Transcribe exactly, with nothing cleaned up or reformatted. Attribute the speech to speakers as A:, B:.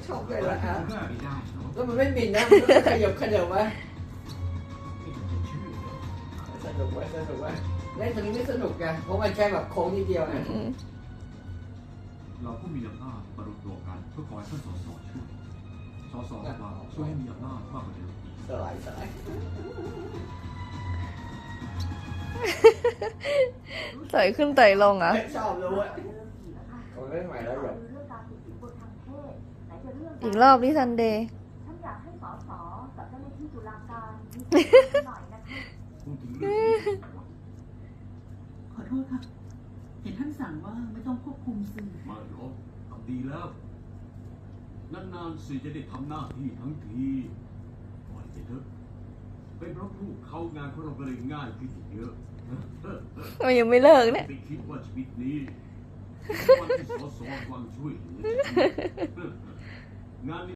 A: ชอบเลยละอ่ะ
B: ไม่ได้เนาะ
A: แล้วมันไม่บินนะมันก็ขยับขยับวะ
B: ไม่เห็นจะเชื่อเลย
A: สนุกวะสนุกวะเล่นตรงนี้ไม่สนุกไงเพราะมันแค่แบบโค้งนิดเดียวนะ
C: อืม
B: เราก็มีอำนาจมารวมตัวกันเพื่อขอให้ท่านสสช่วยสสเราช่วยให้มีอำนาจมากกว่าเดิมอีก
A: สลายสลาย
C: ต่อยขึ้นต่อยลงเหรอ่ะ
A: ชอบรู้อ่ะเขาเล่นใหม่แล้วหรอ
C: อีกรอบที่ซันเดย์
D: ฉันอยากให้สสกับเจ้าหน้าที่ตุลาการมีส่วนร่วมหน่อยนะคะ
B: พูดถึงเรื่องนี้
E: ขอโทษค่ะ เห็นท่านสั่งว่าไม่ต้องควบคุมสื่อ
B: มาหรอกทำดีแล้ว นานๆสิจะได้ทำหน้าที่ทั้งทีปล่อยไปเถอะเป็นเพราะลูกเขางานของเราก็เลยง่ายขึ้นอีกเยอะ
C: มันยังไม่เลิกเนี่ย
B: ไม่คิดว่าชีวิตนี้วันที่สอสอวังช่วยเหลือ งานนี้